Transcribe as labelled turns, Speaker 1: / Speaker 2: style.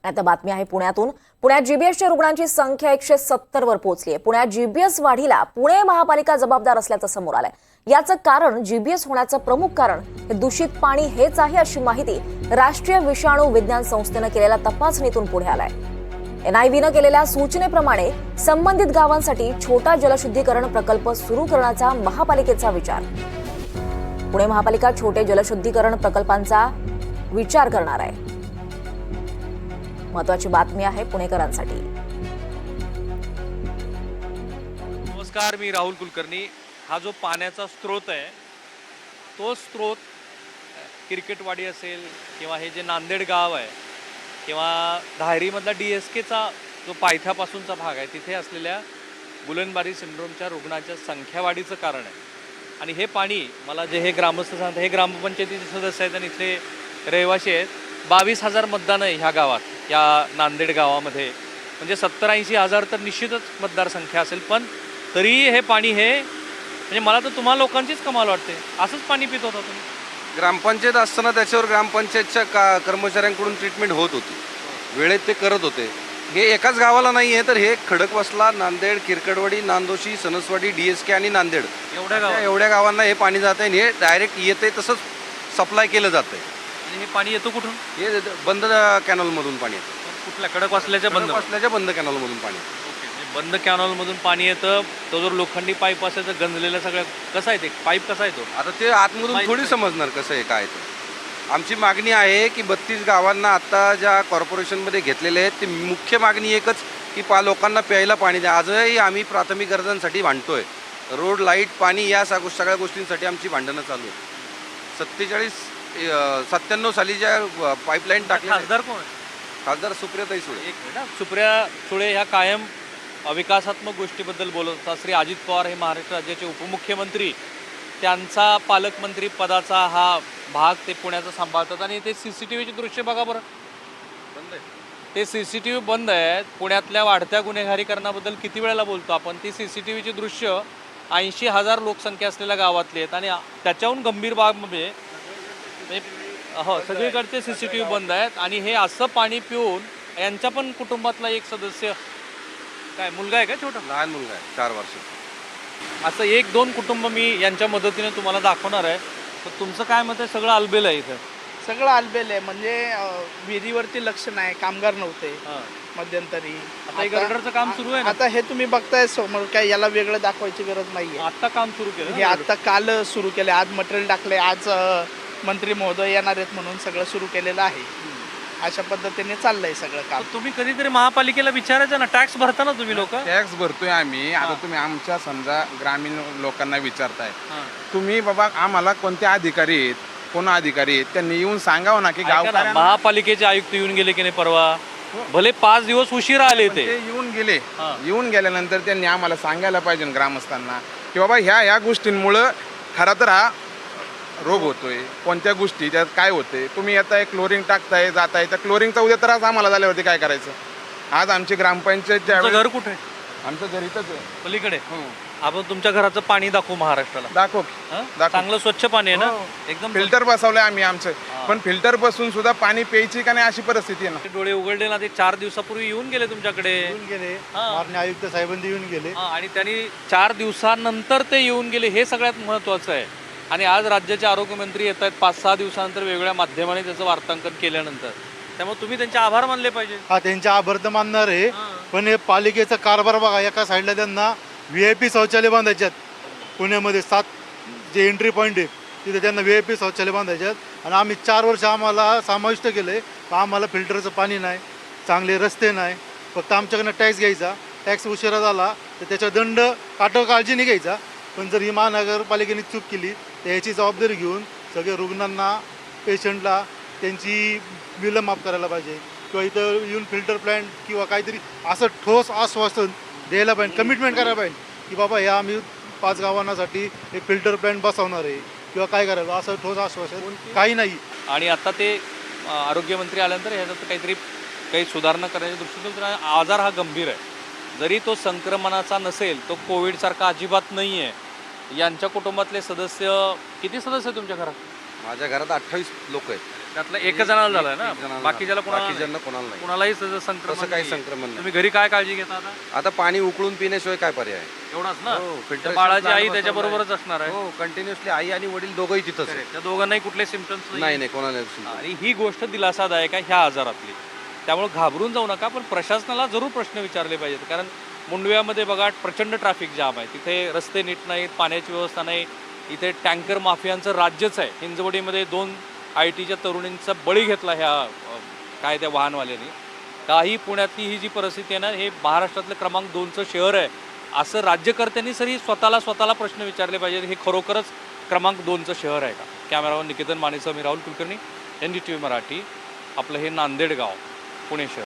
Speaker 1: आता बातमी आहे पुण्यातून। पुण्यात जीबीएसच्या रुग्णांची संख्या 170 वर पोहोचली आहे। पुण्यात जीबीएस वाढीला पुणे महापालिका जबाबदार असल्याचं समोर आलंय। याचं कारण जीबीएस होण्याचं प्रमुख कारण हे दूषित पाणी हेच आहे, अशी माहिती राष्ट्रीय विषाणू विज्ञान संस्थेनं केलेल्या तपासणीतून पुढे आलाय। एनआयव्हीनं केलेल्या सूचनेप्रमाणे संबंधित गावांसाठी छोटा जलशुद्धीकरण प्रकल्प सुरू करण्याचा महापालिकेचा विचार। पुणे महापालिका छोटे जलशुद्धीकरण प्रकल्पांचा विचार करणार आहे। महत्वाची बातमी आहे पुणेकरांसाठी।
Speaker 2: नमस्कार, मी राहुल कुलकर्णी। हा जो पाण्याचा स्रोत आहे तो स्रोत क्रिकेटवाडी असेल किंवा हे जे नांदेड गाव आहे किंवा धायरीमधला DSKचा जो पायथ्यापासूनचा भाग आहे तिथे असलेल्या गुलनबारी सिंड्रोमच्या रुग्णांच्या संख्यावाढीचं कारण आहे। आणि हे पाणी मला जे हे ग्रामस्थ सांगतात, हे ग्रामपंचायतीचे सदस्य आहेत आणि इथले रहिवासी आहेत। 22,000 मतदान आहे ह्या गावात, या नांदेड गावामध्ये। म्हणजे 70-80 हजार तर निश्चितच मतदारसंख्या असेल, पण तरी हे पाणी हे म्हणजे मला तर तुम्हा लोकांचीच कमाल वाटते। असंच पाणी पित होता तुम्ही?
Speaker 3: ग्रामपंचायत असताना त्याच्यावर ग्रामपंचायतच्या कर्मचाऱ्यांकडून ट्रीटमेंट होत होती, वेळेत ते करत होते। हे एकाच गावाला नाही आहे, तर हे खडकवासला, नांदेड, किरकडवाडी, नांदोशी, सणसवाडी, DSK आणि नांदेड एवढ्या गावांना हे पाणी जात आहे। हे डायरेक्ट येते तसंच सप्लाय केलं जातं आहे।
Speaker 2: हे पाणी येतो कुठून?
Speaker 3: हे बंद कॅनॉलमधून पाणी येतं।
Speaker 2: कुठल्या? खडकवासल्याच्या
Speaker 3: बंद कॅनॉलमधून पाणी येतं।
Speaker 2: बंद कॅनॉलमधून पाणी येतं। तो जो लोखंडी पाईप असायचं गंजलेलं सगळं, कसा आहे ते पाईप, कसा येतो?
Speaker 3: आता ते आतमधून थोडी समजणार कसं आहे काय ते। आमची मागणी आहे की 32 गावांना आता ज्या कॉर्पोरेशनमध्ये घेतलेले आहेत ते मुख्य मागणी एकच की लोकांना प्यायला पाणी द्या। आजही आम्ही प्राथमिक गरजांसाठी भांडतोय, रोड, लाईट, पाणी या सगळ्या गोष्टींसाठी आमची भांडणं चालू आहे। 97 साली ज्या पाईपलाईन टाकल्या।
Speaker 2: खासदार कोण आहे?
Speaker 3: खासदार सुप्रियाताई सुळे।
Speaker 2: एक मिनिट, सुप्रिया सुळे ह्या कायम विकासात्मक गोष्टीबद्दल बोलत असतात। श्री अजित पवार हे महाराष्ट्र राज्याचे उपमुख्यमंत्री, त्यांचा पालकमंत्री पदाचा हा भाग ते पुण्याचा सांभाळतात। आणि ते CCTVचे दृश्य बघा बरं, बंद आहे ते। CCTV बंद आहेत। पुण्यातल्या वाढत्या गुन्हेगारीकरणाबद्दल किती वेळेला बोलतो आपण। ती CCTVची दृश्य 80,000 लोकसंख्या असलेल्या गावातली आहेत आणि त्याच्याहून गंभीर बाबमध्ये हो, सगळीकडचे CCTV बंद आहेत। आणि हे असं पाणी पिऊन यांच्या पण कुटुंबातला एक सदस्य, काय मुलगा आहे का, छोटा
Speaker 3: लहान मुलगा आहे 4 वर्षाचा,
Speaker 2: असं 1-2 कुटुंब मी यांच्या मदतीने तुम्हाला दाखवणार आहे। तर तुमचं काय मत आहे? सगळं अलबेल आहे इथं,
Speaker 4: सगळं अलबेल आहे। म्हणजे विहिरीवरती लक्ष नाही, कामगार नव्हते मध्यंतरी।
Speaker 2: आता गर्डरचं काम सुरू आहे ना?
Speaker 4: आता हे तुम्ही बघताय समोर, काय याला वेगळं दाखवायची गरज नाहीये।
Speaker 2: आता काम सुरू केलं
Speaker 4: हे आता काल सुरू केले, आज मटेरियल टाकले, आज मंत्री महोदय येणार आहेत म्हणून सगळं सुरू केलेलं आहे। अशा पद्धतीने चाललंय सगळं काम।
Speaker 2: तुम्ही कधीतरी महापालिकेला विचारायचं ना, टॅक्स भरता ना तुम्ही लोक?
Speaker 5: टॅक्स भरतोय आम्ही। आता तुम्ही आमच्या समजा ग्रामीण लोकांना विचारताय, तुम्ही बाबा आम्हाला कोणते अधिकारी आहेत, कोण अधिकारी आहेत, त्यांनी येऊन सांगावं ना की गावकऱ्यांना।
Speaker 2: महापालिकेचे आयुक्त येऊन गेले की नाही परवा, भले 5 दिवस उशिरा आले ते
Speaker 5: येऊन गेले। येऊन गेल्यानंतर त्यांनी आम्हाला सांगायला पाहिजे ग्रामस्थांना की बाबा ह्या गोष्टींमुळं खरं तर हा रोग होतोय, कोणत्या गोष्टी त्यात काय होते। तुम्ही आता क्लोरिंग टाकताय, जाताय, त्या क्लोरिंगचा उद्या त्रास आम्हाला झाल्यावरती काय करायचं? आज आमची ग्रामपंचायत
Speaker 2: घर कुठे आहे?
Speaker 5: आमचं घर इथंच आहे,
Speaker 2: पलीकडे। आपण तुमच्या घराचं पाणी दाखवू महाराष्ट्राला?
Speaker 5: दाखव।
Speaker 2: चांगलं स्वच्छ पाणी आहे ना, एकदम
Speaker 5: फिल्टर बसवलंय आम्ही आमचं, पण फिल्टर बसून सुद्धा पाणी प्यायची का नाही अशी परिस्थिती आहे ना।
Speaker 2: डोळे उघडले ना, ते 4 दिवसापूर्वी येऊन गेले तुमच्याकडे,
Speaker 6: येऊन गेले, माननीय आयुक्त साहेबांनी येऊन गेले।
Speaker 2: आणि त्यांनी 4 दिवसानंतर ते येऊन गेले, हे सगळ्यात महत्वाचं आहे। आणि आज राज्याचे आरोग्यमंत्री येत आहेत 5-6 दिवसानंतर वेगवेगळ्या माध्यमाने त्याचं वार्तांकन केल्यानंतर, त्यामुळे तुम्ही त्यांचे आभार मानले पाहिजे।
Speaker 6: हा, त्यांचे आभार तर मानणार आहे, पण हे पालिकेचा कारभार बघा। एका साईडला त्यांना VIP शौचालय बांधायच्यात, पुण्यामध्ये 7 जे एंट्री पॉईंट आहे तिथे त्यांना VIP शौचालय बांधायच्यात। आणि आम्ही 4 वर्ष आम्हाला समाविष्ट केलं आहे, आम्हाला फिल्टरचं पाणी नाही, चांगले रस्ते नाही, फक्त आमच्याकडनं टॅक्स घ्यायचा। टॅक्स उशिरा झाला तर त्याचा दंड काळजीने घ्यायचा। पण जर ही महानगरपालिकेने चूक केली तर याची जबाबदारी घेऊन सगळे रुग्णांना, पेशंटला त्यांची बिलं माफ करायला पाहिजे, किंवा इथं येऊन फिल्टर प्लॅन्ट किंवा काहीतरी असं ठोस आश्वासन द्यायला पाहिजे, कमिटमेंट करायला पाहिजे की बाबा ह्या आम्ही 5 गावांसाठी एक फिल्टर प्लॅन्ट बसवणार आहे किंवा काय करायला, असं ठोस आश्वासन काही नाही।
Speaker 2: आणि आता ते आरोग्यमंत्री आल्यानंतर ह्याच्यात काही सुधारणा करण्याच्या दृष्टीने आजार हा गंभीर आहे। जरी तो संक्रमणाचा नसेल, तो कोविडसारखा अजिबात नाही आहे। यांच्या कुटुंबातले सदस्य किती सदस्य तुमच्या घरात?
Speaker 3: माझ्या घरात 28 लोक आहेत।
Speaker 2: त्यातलं एकच जणाला झालंय ना,
Speaker 3: एक जणाला
Speaker 2: बाकीच्याला
Speaker 3: झालं.
Speaker 2: कोणाला
Speaker 3: बाकीच्यांना कोणाला नाही.
Speaker 2: कोणालाही त्याचं संक्रमण
Speaker 3: तसं काही
Speaker 2: नाहीये.
Speaker 3: संक्रमण नाही.
Speaker 2: तुम्ही घरी काय काळजी घेता आता?
Speaker 3: आता पाणी उकळून पिण्याशिवाय काय पर्याय आहे?
Speaker 2: एवढाच ना,
Speaker 3: हो,
Speaker 2: त्या
Speaker 3: filtration
Speaker 2: बाळाची
Speaker 3: plant
Speaker 2: आई
Speaker 3: बसवलाय.
Speaker 2: त्याच्या बरोबरच असणार आहे.
Speaker 3: हो, कंटिन्युअसली आई आणि वडील दोघंही तिथंच आहे.
Speaker 2: त्या दोघांनाही कुठले सिमटम्स
Speaker 3: नाही नाही कोणाला नाही.
Speaker 2: आणि ही गोष्ट दिलासादायक आहे ह्या आजारातली. त्यामुळे घाबरून जाऊ नका, पण प्रशासनाला जरूर प्रश्न विचारले पाहिजेत. कारण मुंडव्यामध्ये बघा प्रचंड ट्रॅफिक जाम आहे, तिथे रस्ते नीट नाहीत, पाण्याची व्यवस्था नाही, इथे टँकर माफियांचं राज्यच आहे. हिंजवडीमध्ये 2 IT च्या तरुणींचा बळी घेतला ह्या काय त्या वाहनवाल्यांनी. काही पुण्यातली ही जी परिस्थिती आहे ना, हे महाराष्ट्रातलं क्रमांक 2चं शहर आहे असं राज्यकर्त्यांनी सरी स्वतःला प्रश्न विचारले पाहिजेत. हे खरोखरच क्रमांक 2चं शहर आहे का? कॅमेरावर निकेतन मानेसह मी राहुल कुलकर्णी, NDTV मराठी. आपलं हे नांदेड गाव, पुणे शहर.